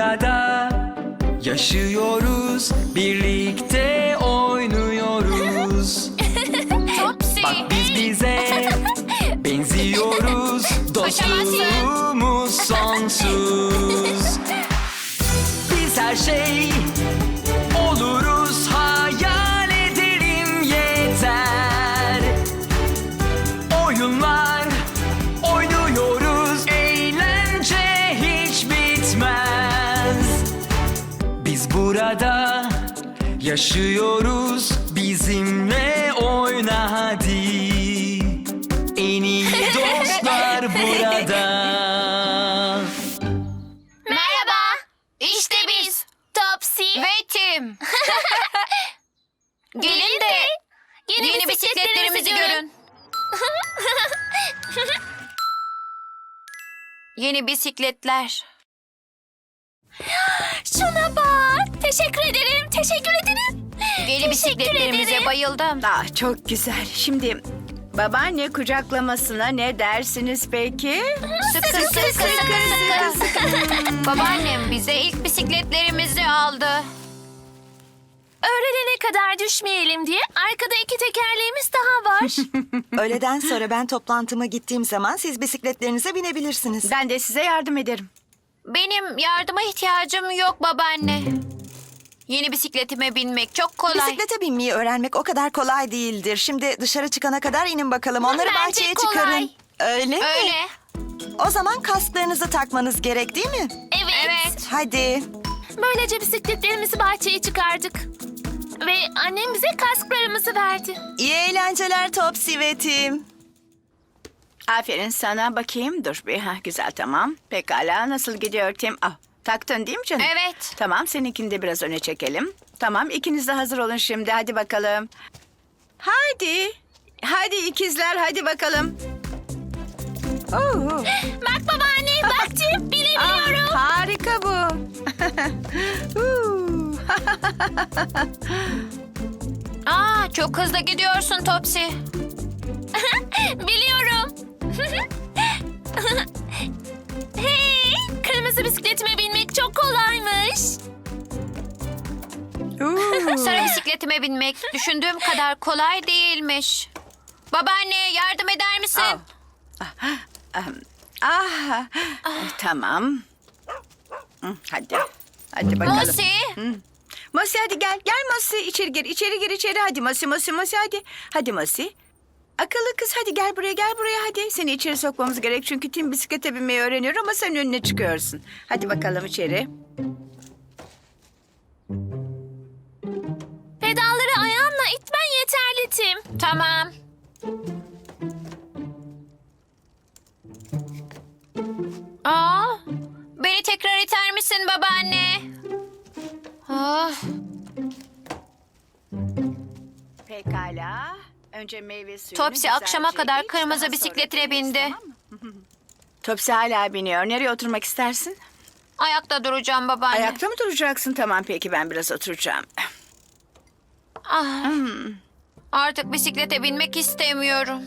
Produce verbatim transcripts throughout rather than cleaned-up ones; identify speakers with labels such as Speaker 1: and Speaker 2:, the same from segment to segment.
Speaker 1: burada yaşıyoruz, birlikte oynuyoruz.
Speaker 2: Topsy.
Speaker 1: Bak biz bize benziyoruz, dostluğumuz sonsuz. Biz her şey oluruz, hayal edelim yeter. Oyunlar oynuyoruz, eğlence hiç bitmez. Biz burada yaşıyoruz, bizimle oyna hadi. En iyi dostlar burada.
Speaker 2: Merhaba. İşte biz. Topsy. Ve Tim. Gelin de yeni, yeni bisikletlerimizi görün. Yeni bisikletler. Şuna bak. Teşekkür ederim. Teşekkür ederim. Yeni bisikletlerimize bayıldım.
Speaker 3: Ah, çok güzel. Şimdi babaanne kucaklamasına ne dersiniz peki?
Speaker 2: Sıkı sıkı sıkı sıkı sıkı. Babaannem bize ilk bisikletlerimizi aldı.
Speaker 4: Öğlenene kadar düşmeyelim diye arkada iki tekerleğimiz daha var.
Speaker 5: Öğleden sonra ben toplantıma gittiğim zaman siz bisikletlerinize binebilirsiniz.
Speaker 3: Ben de size yardım ederim.
Speaker 2: Benim yardıma ihtiyacım yok babaanne. Yeni bisikletime binmek çok kolay.
Speaker 5: Bisiklete binmeyi öğrenmek o kadar kolay değildir. Şimdi dışarı çıkana kadar inin bakalım. Onları
Speaker 4: Bence
Speaker 5: bahçeye
Speaker 4: kolay.
Speaker 5: çıkarın. Öyle mi?
Speaker 2: Öyle.
Speaker 5: O zaman kasklarınızı takmanız gerek değil mi?
Speaker 4: Evet.
Speaker 2: Evet.
Speaker 5: Hadi.
Speaker 4: Böylece bisikletlerimizi bahçeye çıkardık. Ve annem bize kasklarımızı verdi.
Speaker 5: İyi eğlenceler Topsy ve Tim.
Speaker 3: Aferin sana, bakayım. Dur bir. Ha, güzel, tamam. Pekala, nasıl gidiyor Tim? Ah, taktın değil mi canım?
Speaker 2: Evet.
Speaker 3: Tamam, seninkini de biraz öne çekelim. Tamam, ikiniz de hazır olun şimdi. Hadi bakalım. Hadi. Hadi ikizler, hadi bakalım. Oo.
Speaker 4: Bak babaanne, bak Tim, binebiliyorum.
Speaker 3: Ah, harika bu. Huu.
Speaker 2: Aa, çok hızlı gidiyorsun Topsy.
Speaker 4: Biliyorum. Hey, kırmızı bisikletime binmek çok kolaymış.
Speaker 3: Oo.
Speaker 2: Sarı bisikletime binmek düşündüğüm kadar kolay değilmiş. Babaanne yardım eder misin?
Speaker 3: Ah, ah, tamam. Hı, Hadi. Hadi bakalım.
Speaker 2: Mosi.
Speaker 3: Mosi hadi gel. Gel Mosi. İçeri gir. İçeri gir içeri. Hadi Mosi Mosi Mosi hadi. Hadi Mosi. Akıllı kız hadi gel buraya gel buraya hadi. Seni içeri sokmamız gerek çünkü Tim bisiklete binmeyi öğreniyor ama sen önüne çıkıyorsun. Hadi bakalım içeri.
Speaker 4: Pedalları ayağınla itmen yeterli Tim.
Speaker 2: Tamam. Aa, beni tekrar iter misin babaanne? Ah,
Speaker 3: Pekala. Önce meyve suyu.
Speaker 2: Topsy akşama kadar kırmızı bisikletine bindi.
Speaker 3: Topsy hala biniyor. Nereye oturmak istersin?
Speaker 2: Ayakta duracağım babaanne.
Speaker 3: Ayakta mı duracaksın? Tamam peki ben biraz oturacağım.
Speaker 2: Ah, artık bisiklete binmek istemiyorum.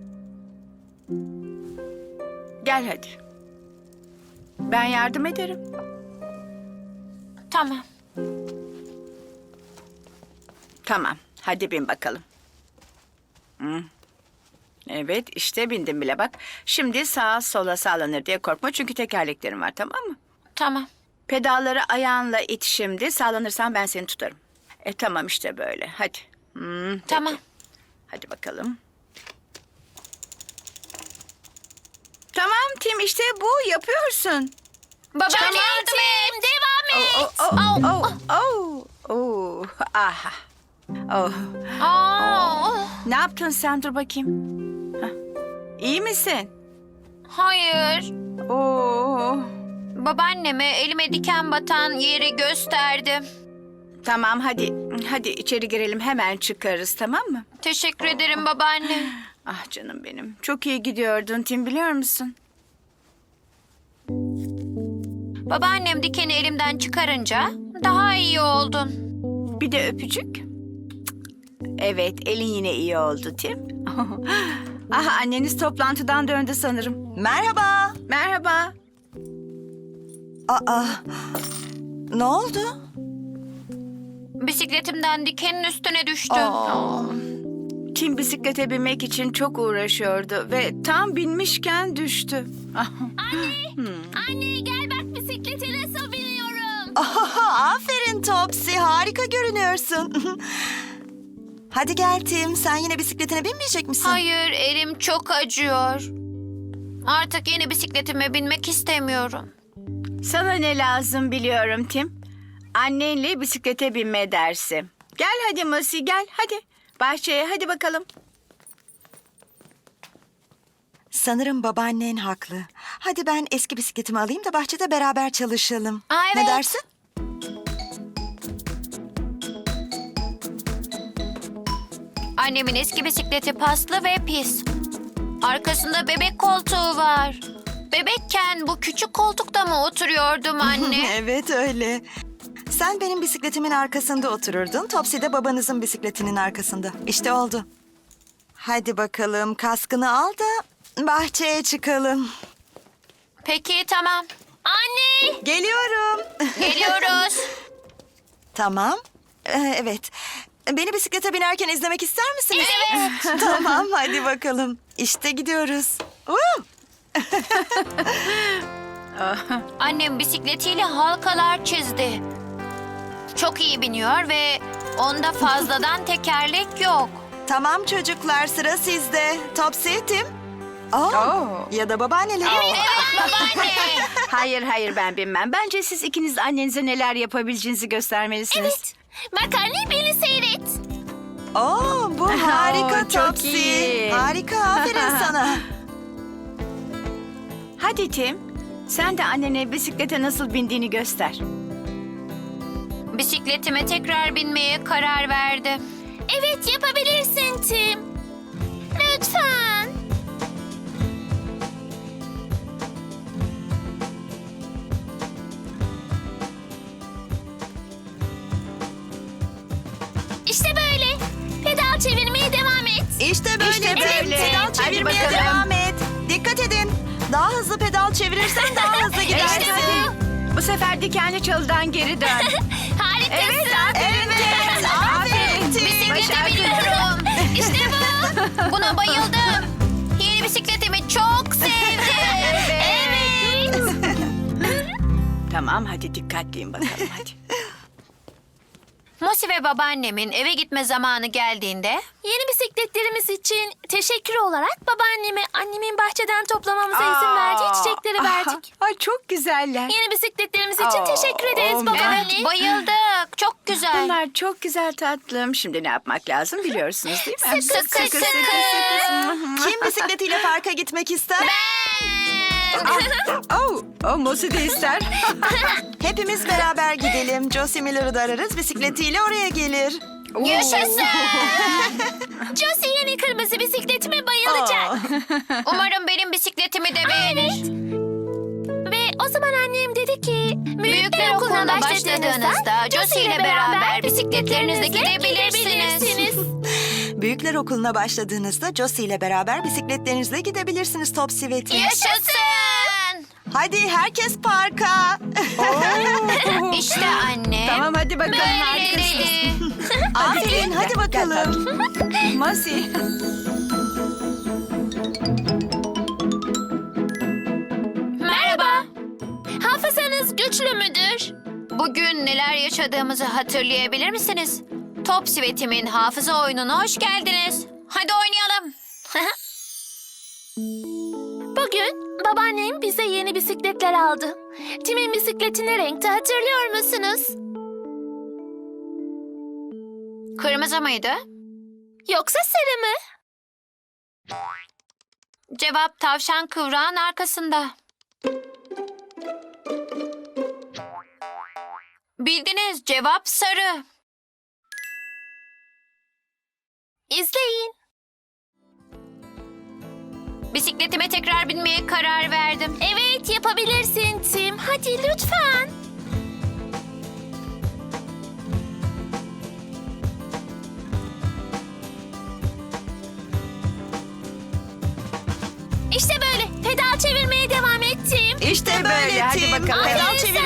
Speaker 3: Gel hadi. Ben yardım ederim.
Speaker 2: Tamam.
Speaker 3: Tamam. Hadi bin bakalım. Hı. Evet işte bindim bile bak. Şimdi sağa sola sallanır diye korkma çünkü tekerleklerim var tamam mı?
Speaker 2: Tamam.
Speaker 3: Pedalları ayağınla it şimdi. Sallanırsan ben seni tutarım. E tamam işte böyle. Hadi. Hı, peki.
Speaker 2: Tamam.
Speaker 3: Hadi bakalım. Tamam Tim işte bu yapıyorsun.
Speaker 2: Babaanne
Speaker 4: Çok iyi
Speaker 2: yardım et.
Speaker 4: Tim, devam et.
Speaker 3: Oh, oh, oh, oh, oh. Aha. Oh.
Speaker 2: Aa,
Speaker 3: Ne yaptın sen? Dur bakayım. Hah. İyi misin?
Speaker 2: hayır.
Speaker 3: Oo.
Speaker 2: Babaanneme elime diken batan yeri gösterdim.
Speaker 3: Tamam hadi. Hadi içeri girelim hemen çıkarız tamam mı?
Speaker 2: Teşekkür ederim babaanne.
Speaker 3: Ah canım benim. Çok iyi gidiyordun Tim biliyor musun?
Speaker 2: Babaannem dikeni elimden çıkarınca daha iyi oldun.
Speaker 3: Bir de öpücük. Evet elin yine iyi oldu Tim. Ah anneniz toplantıdan döndü sanırım.
Speaker 5: Merhaba.
Speaker 3: Merhaba.
Speaker 5: Aa, ne oldu?
Speaker 2: Bisikletimden dikenin üstüne düştü.
Speaker 5: Aa,
Speaker 3: Tim bisiklete binmek için çok uğraşıyordu ve tam binmişken düştü. Ah,
Speaker 4: Anne gel bak bisiklete nasıl biniyorum.
Speaker 5: Aha, aferin Topsy, harika görünüyorsun. Hadi gel Tim, sen yine bisikletine binmeyecek misin?
Speaker 2: Hayır, elim çok acıyor. Artık yeni bisikletime binmek istemiyorum.
Speaker 3: Sana ne lazım biliyorum Tim. Annenle bisiklete binme dersi. Gel hadi Masi gel hadi. Bahçeye hadi bakalım.
Speaker 5: Sanırım babaannen haklı. Hadi ben eski bisikletimi alayım da bahçede beraber çalışalım.
Speaker 2: Aa,
Speaker 5: Ne
Speaker 2: evet.
Speaker 5: dersin?
Speaker 2: Annemin eski bisikleti paslı ve pis. Arkasında bebek koltuğu var. Bebekken bu küçük koltukta mı oturuyordum anne?
Speaker 5: Evet öyle. Sen benim bisikletimin arkasında otururdun. Topsy de babanızın bisikletinin arkasında. İşte oldu. Hadi bakalım kaskını al da bahçeye çıkalım.
Speaker 2: Peki tamam.
Speaker 4: Anne.
Speaker 5: Geliyorum.
Speaker 2: Geliyoruz.
Speaker 5: Tamam. Ee, evet. Beni bisiklete binerken izlemek ister misiniz?
Speaker 2: Evet.
Speaker 5: Tamam hadi bakalım. İşte gidiyoruz. Woo!
Speaker 2: Annem bisikletiyle halkalar çizdi. Çok iyi biniyor ve onda fazladan tekerlek yok.
Speaker 5: Tamam çocuklar sıra sizde. Topsy, Tim. Aa,
Speaker 3: Oo.
Speaker 5: ya da babaanneleri.
Speaker 2: Evet babaanne.
Speaker 3: Hayır hayır ben binmem. Bence siz ikiniz annenize neler yapabileceğinizi göstermelisiniz.
Speaker 4: Evet. Bak anne beni seyret.
Speaker 5: Oo, bu harika
Speaker 3: Oo, çok
Speaker 5: Topsy.
Speaker 3: iyi.
Speaker 5: Harika, aferin sana.
Speaker 3: Hadi Tim. Sen de annene bisiklete nasıl bindiğini göster.
Speaker 2: Bisikletime tekrar binmeye karar verdim.
Speaker 4: Evet yapabilirsin Tim. Lütfen. İşte böyle. Pedal çevirmeye devam et.
Speaker 5: İşte böyle.
Speaker 3: İşte
Speaker 5: Tim.
Speaker 3: böyle.
Speaker 5: Pedal
Speaker 3: Hadi
Speaker 5: çevirmeye
Speaker 3: bakalım.
Speaker 5: devam et. Dikkat edin. Daha hızlı pedal çevirirsen daha hızlı gidersin.
Speaker 3: İşte hadi. Bu sefer dikenli çalıdan geri dön.
Speaker 4: Harikasın.
Speaker 3: Evet, aferin.
Speaker 5: Evet, aferin Tim.
Speaker 2: Bisiklete
Speaker 3: Başardın.
Speaker 2: biniyorum. İşte bu. Buna bayıldım. Yeni bisikletimi çok sevdim.
Speaker 4: Evet.
Speaker 3: Tamam hadi dikkatliyim bakalım hadi.
Speaker 2: Mosi ve babaannemin eve gitme zamanı geldiğinde
Speaker 4: Yeni bisikletlerimiz için teşekkür olarak babaanneme annemin bahçeden toplamamıza izin
Speaker 3: Aa.
Speaker 4: verdiği çiçekleri verdik.
Speaker 3: Ay çok güzeller.
Speaker 4: Yeni bisikletlerimiz için
Speaker 3: Aa,
Speaker 4: teşekkür ederiz
Speaker 3: oh,
Speaker 4: babaanne.
Speaker 2: evet bayıldık. Çok güzel.
Speaker 3: Bunlar çok güzel tatlım. Şimdi ne yapmak lazım biliyorsunuz değil mi?
Speaker 2: Sıkı sıkı sıkı.
Speaker 5: Kim bisikletiyle parka gitmek ister?
Speaker 3: Oh, oh Mosi de ister.
Speaker 5: Hepimiz beraber gidelim. Josie Miller'ı da ararız. Bisikletiyle oraya gelir.
Speaker 2: Yaşasın.
Speaker 4: Josie yeni kırmızı bisikletime bayılacak.
Speaker 5: Aa.
Speaker 2: Umarım benim bisikletimi de beğenir.
Speaker 4: Ve o zaman annem dedi ki...
Speaker 2: Büyükler okuluna başladığınızda Josie ile beraber bisikletlerinizle gidebilirsiniz.
Speaker 5: Büyükler okuluna başladığınızda Josie ile beraber bisikletlerinizle gidebilirsiniz Topsy ve Tim.
Speaker 2: Yaşasın.
Speaker 5: Hadi herkes parka.
Speaker 2: İşte anne.
Speaker 3: Tamam hadi bakalım. harikasınız.
Speaker 2: Böyleleri.
Speaker 5: Aferin hadi bakalım.
Speaker 3: Mosi.
Speaker 4: Merhaba. Hafızanız güçlü müdür?
Speaker 2: Bugün neler yaşadığımızı hatırlayabilir misiniz? Topsy ve Tim'in hafıza oyununa hoş geldiniz. Hadi oynayalım.
Speaker 4: Bugün babaannem bize yeni bisikletler aldı. Tim'in bisikleti ne renkte hatırlıyor musunuz?
Speaker 2: Kırmızı mıydı?
Speaker 4: Yoksa sarı mı?
Speaker 2: Cevap tavşan kıvrağın arkasında. Bildiniz, cevap sarı.
Speaker 4: İzleyin.
Speaker 2: Bisikletime tekrar binmeye karar verdim.
Speaker 4: Evet yapabilirsin Tim. Hadi lütfen. İşte böyle. Pedal çevirmeye devam et Tim.
Speaker 5: İşte böyle
Speaker 3: Hadi
Speaker 5: Tim.
Speaker 3: bakalım.
Speaker 5: Pedal
Speaker 4: Aferin
Speaker 5: çevirmeye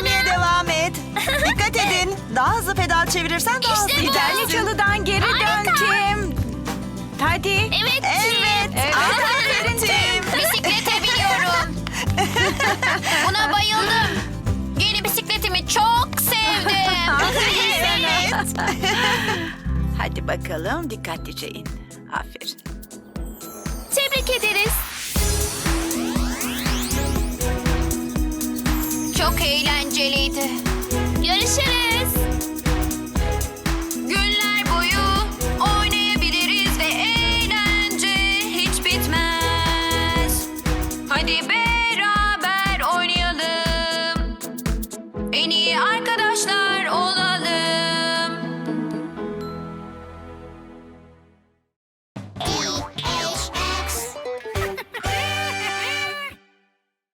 Speaker 5: daha çevirirsen daha hızlı
Speaker 4: İşte bu.
Speaker 5: gidersin.
Speaker 3: Giderli çalıdan geri dön Tim. Hadi.
Speaker 4: Evet.
Speaker 5: Evet.
Speaker 3: Evet.
Speaker 5: Aferin Tim.
Speaker 2: Bisiklete biniyorum. Buna bayıldım. Yeni bisikletimi çok sevdim.
Speaker 5: Evet.
Speaker 3: Hadi bakalım dikkatlice in. Aferin.
Speaker 4: Tebrik ederiz.
Speaker 2: Çok eğlenceliydi.
Speaker 4: Görüşürüz.